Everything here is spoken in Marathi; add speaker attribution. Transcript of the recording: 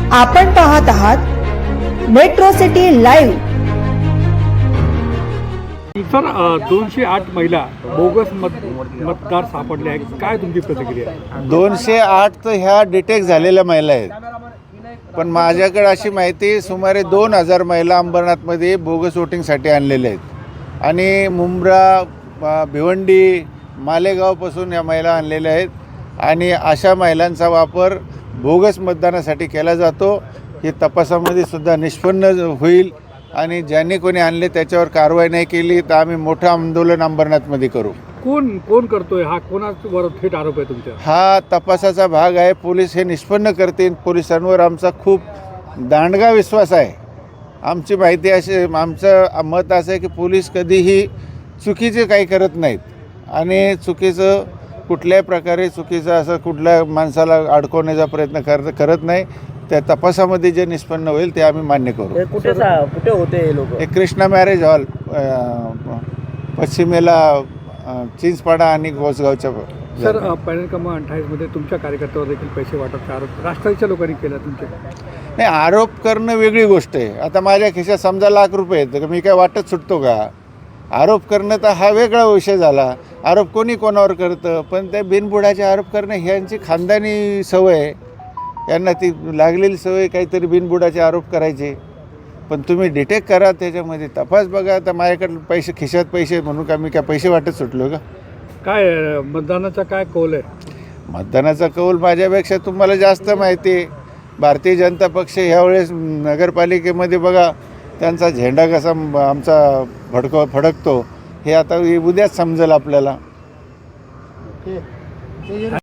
Speaker 1: आपण पाहत आहात मेट्रो सिटी लाईव्ह।
Speaker 2: सर 208 महिला बोगस मतदार सापडले आहेत, काय तुमची प्रतिक्रिया आहे?
Speaker 3: 208 तर ह्या डिटेक्ट झालेल्या महिला आहेत, पण माझ्याकडे अशी माहिती सुमारे 2000 महिला अंबरनाथमध्ये बोगस वोटिंगसाठी आणलेल्या आहेत आणि मुंब्रा, भिवंडी, मालेगावपासून या महिला आणलेल्या आहेत आणि अशा महिलांचा वापर बोगस मतदानासाठी केला जातो। हे तपासामध्ये सुद्धा निष्पन्न होईल आणि ज्यांनी कोणी आणले त्याच्यावर कारवाई नाही केली तर आम्ही मोठं आंदोलन अंबरनाथमध्ये करू।
Speaker 2: कोण करतोय हा? कोणावर थेट आरोप आहे तुमच्या?
Speaker 3: हा तपासाचा भाग आहे, पोलीस हे निष्पन्न करतील। पोलिसांवर आमचा खूप दांडगा विश्वास आहे। आमची माहिती अशी, आमचं मत असं आहे की पोलीस कधीही चुकीचे काही करत नाहीत आणि चुकीचं कुठल्याही प्रकारे चुकीचं असं कुठल्या माणसाला अडकवण्याचा प्रयत्न करत नाही। त्या तपासामध्ये जे निष्पन्न होईल ते आम्ही मान्य करू।
Speaker 4: कुठे होते हे लोक?
Speaker 3: एक कृष्णा मॅरेज हॉल पश्चिमेला चिंचपाडा आणि गोसगावच्या।
Speaker 2: सर पॅनल क्रमांक 28 मध्ये तुमच्या कार्यकर्त्यावर देखील पैसे वाटपचा आरोप राष्ट्रवादीच्या लोकांनी केला तुमच्या?
Speaker 3: नाही, आरोप करणं वेगळी गोष्ट आहे। आता माझ्या खिशात समजा ₹1,00,000 आहेत तर मी काय वाटत सुटतो का? आरोप करणं तर हा वेगळा विषय झाला। आरोप कोणी कोणावर करतं, पण ते बिनबुडाचे आरोप करणं ह्यांची खानदानी सवय आहे। यांना ती लागलेली सवय काहीतरी बिनबुडाचे आरोप करायचे। पण तुम्ही डिटेक्ट करा, त्याच्यामध्ये तपास बघा। तर माझ्याकडे पैसे खिशात पैसे म्हणून का मी काय पैसे वाटत सुटलो का?
Speaker 2: काय मतदानाचा काय कौल आहे?
Speaker 3: मतदानाचा कौल माझ्यापेक्षा तुम्हाला जास्त माहिती आहे। भारतीय जनता पक्ष ह्यावेळेस नगरपालिकेमध्ये बघा त्यांचा झेंडा कसा आमचा फडकतो हे आता उद्याच समजेल आपल्याला।